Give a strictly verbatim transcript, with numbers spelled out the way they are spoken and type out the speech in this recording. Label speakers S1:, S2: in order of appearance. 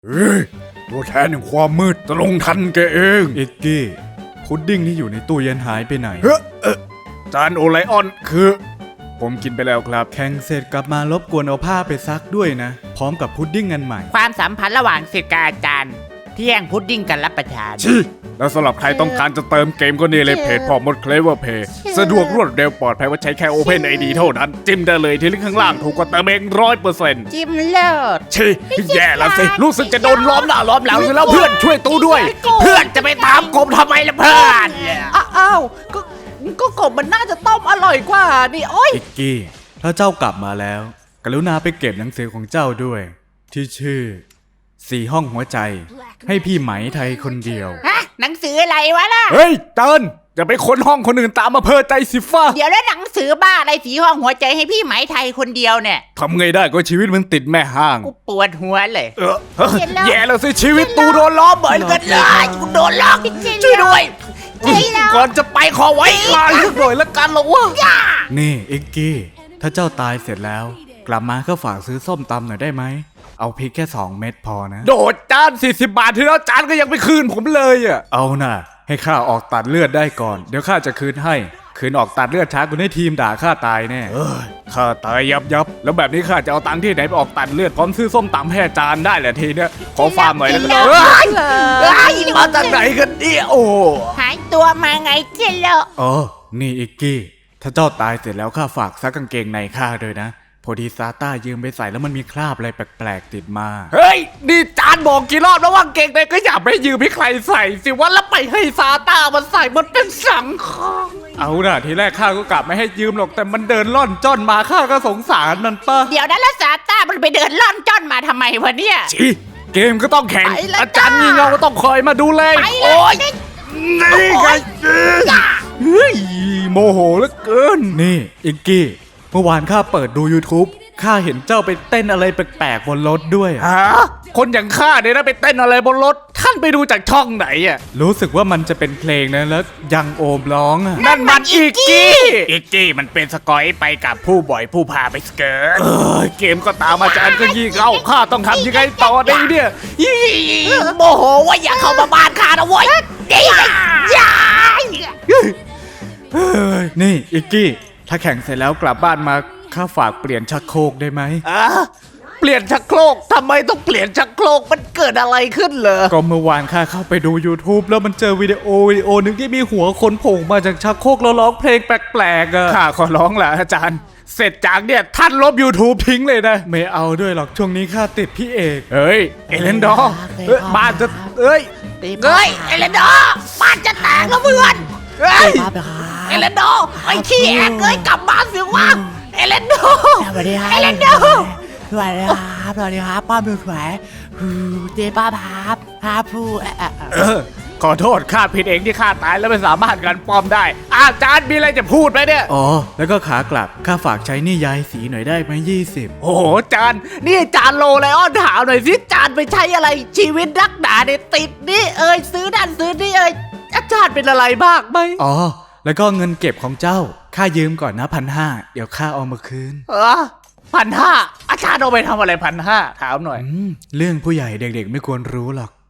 S1: เฮ้ยตัวแทนแห่งความมืดจะลงทันแกเองเอ็กกี้พุดดิ้งที่อยู่ในตู้เย็นหายไปไหนเฮ้เออจานโอไลออนคือผมกินไปแล้วครับแข่งเสร็จกลับมารบกวนเอาผ้าไปซักด้วยนะพร้อมกับพุดดิ้งอันใหม่
S2: ความสัมพันธ์ระหว่างศิษย์กับอาจารย์ที่แย่งพุดดิ้งกันรับประทาน
S1: ชิแล้วสำหรับใครต้องการจะเติมเกมก็นี่เลยเพจพอมดเคลเวอร์เพย์สะดวกรวดเร็วปลอดภัยว่าใช้แค่ Open ไอ ดี เท่านั้นจิ้มได้เลยที่ลิงก์ข้างล่างถูกกว่าเติมเองร้อยเปอร์เซ็นต์
S2: จิ้มเลิศ
S1: ชิแย่แล้วสิรู้สึกจะโดนล้อมหน้าล้อมหลังอยู่แล้วเพื่อนช่วยตู้ด้วย
S2: เพื่อนจะไปตามกบทำไมล่ะเพื่อน
S3: อ้าวก็ก็กบมันน่าจะต้มอร่อยกว่านี่โอ้ย
S1: อิกกี้ถ้าเจ้ากลับมาแล้วกรุณาไปเก็บหนังสือของเจ้าด้วยที่ชื่อสี่ห้องหัวใจให้พี่ไหมไทยคนเดียว
S2: ฮะหนังสืออะไรวะล่ะ
S1: เฮ้ยเติ้ลจะไปค้นห้องคนอื่นตามมาเพ้อใจสิฟ้า
S2: เดี๋ยวแล้วหนังสือบ้าอะไรสีห้องหัวใจให้พี่ไหมไทยคนเดียวเนี่ย
S1: ทำไงได้ก็ชีวิตมันติดแม่ห้าง
S2: กูปวดหัวเลย
S1: เออแย่แล้วสิชีวิตตูโดนล้อมเหมือนกันเลยกูโดนล้อมช่วยด้วยก่อนจะไปขอไว้ก่อนหน่อยละกันหรอวะนี่อิกกี้ถ้าเจ้าตายเสร็จแล้วกลับมาก็ฝากซื้อส้มตำหน่อยได้ไหมเอาพริกแค่สองเม็ดพอนะโดดจานสี่สิบบาทที่แล้วจานก็ยังไม่คืนผมเลยอ่ะเอาน่ะให้ข้าออกตัดเลือดได้ก่อนเดี๋ยวข้าจะคืนให้คืนออกตัดเลือดช้ากูให้ทีมด่าข้าตายแน่เอ้ยข้าตายยับยับแล้วแบบนี้ข้าจะเอาตังค์ที่ไหนไปออกตัดเลือดพร้อมซื้อส้มตำแห่จานได้แหละทีเนี้ยขอฟาร์มหน่อยแล้วกันเอ้ยเอ้ยมาจากไหนกันเนี่ยโอ้
S2: หายตัวมาไงเจโล
S1: อ๋อนี่อิกกี้ถ้าเจ้าตายเสร็จแล้วข้าฝากซักกางเกงในข้าด้วยนะพอดีซาต้ายืมไปใส่แล้วมันมีคราบอะไรแปลกๆติดมาเฮ้ยนี่จานบอกกี่รอบแล้วว่าเกงในก็อย่าไปยืมให้ใครใส่สิว่าแล้วไปให้ซาต้ามันใส่มันเป็นสังคมเอาล่ะทีแรกข้าก็กลับไม่ให้ยืมหรอกแต่มันเดินล่อนจ้อนมาข้าก็สงสารมันป่ะ
S2: เดี๋ยวนั้นแล้วซาต้ามันไปเดินล่อนจ้อนมาทำไมวะเนี่ย
S1: จีเกมก็ต้องแข่งอาจารย์งีเงาก็ต้องคอยมาดูแลโอ้ยนี่ไงเฮ้ยโมโหเหลือเกินนี่อิกกี้เมื่อวานข้าเปิดดู YouTube ข้าเห็นเจ้าไปเต้นอะไรแปลกๆบนรถด้วยฮะคนอย่างข้าเนี่ยนะไปเต้นอะไรบนรถท่านไปดูจากช่องไหนอ่ะรู้สึกว่ามันจะเป็นเพลงนะแล้วยังโอมร้องอ่ะนั่นมันอีกกี้อีกกี้มันเป็นสกอยไปกับผู้บ่อยผู้พาไปสเกิร์ตเออเกมก็ตามอาจารย์ก็ยี่เข้าข้าต้องทำยังไงต่อได้เนี่ย
S2: โมโหว่าอย่าเข้ามาบ้านข้านะเว้ยอย่า
S1: นี่อีกกี้ถ้าแข่งเสร็จแล้วกลับบ้านมาข้าฝากเปลี่ยนชักโครกได้ไหม
S3: อ่ะเปลี่ยนชักโครกทำไมต้องเปลี่ยนชักโครกมันเกิดอะไรขึ้นเหรอ
S1: ก็เมื่อวานข้าเข้าไปดู YouTube แล้วมันเจอวิดีโอวิดีโอหนึ่งที่มีหัวคนโผล่มาจากชักโครกแล้วร้องเพลงแปลกๆอ่ะข้าขอร้องแหละอาจารย์เสร็จจากเนี่ยท่านลบ YouTube ทิ้งเลยนะไม่เอาด้วยหรอกช่วงนี้ข้าติดพี่เอกเฮ้ยเอเลนดอร์บ้านจะเอ้ย
S2: เฮ้ยเอเลนดอร์บ้านจะแตกแล้วเพื่อนเฮ้ยเอเลนดอร์ไอ้ขี้แอกเอ้ยกลับบ้านสิวะเอเลนดอร์
S3: สวัสดีครับ
S2: เอเลนดอร์
S3: สวัสดีครับสวัสดีครับป้าดูสวยเจ๊ป้าพับพาผู้
S1: เออขอโทษข้าผิดเองที่ข้าตายแล้วไม่สามารถกันป้อมได้อาจารย์มีอะไรจะพูดไหมเนี่ยอ๋อแล้วก็ขากลับข้าฝากใช้นี่ยายสีหน่อยได้ไหมยี่สิบ
S3: โอ้โหจานนี่จานโลไลออนถามหน่อยสิจานไปใช้อะไรชีวิตรักหนาเนี่ยติดนี่เอ้ยซื้อนั่นซื้อนี่เอ้ยอาจารย์เป็นอะไรบ้างไหม
S1: อ๋อแล้วก็เงินเก็บของเจ้าข้ายืมก่อนนะพันห้าเดี๋ยวข้าเอามาคืน
S3: เออพันห้าอาจารย์เอาไปทำอะไรพันห้าถามหน่อย
S1: เรื่องผู้ใหญ่เด็กๆไม่ควรรู้หรอก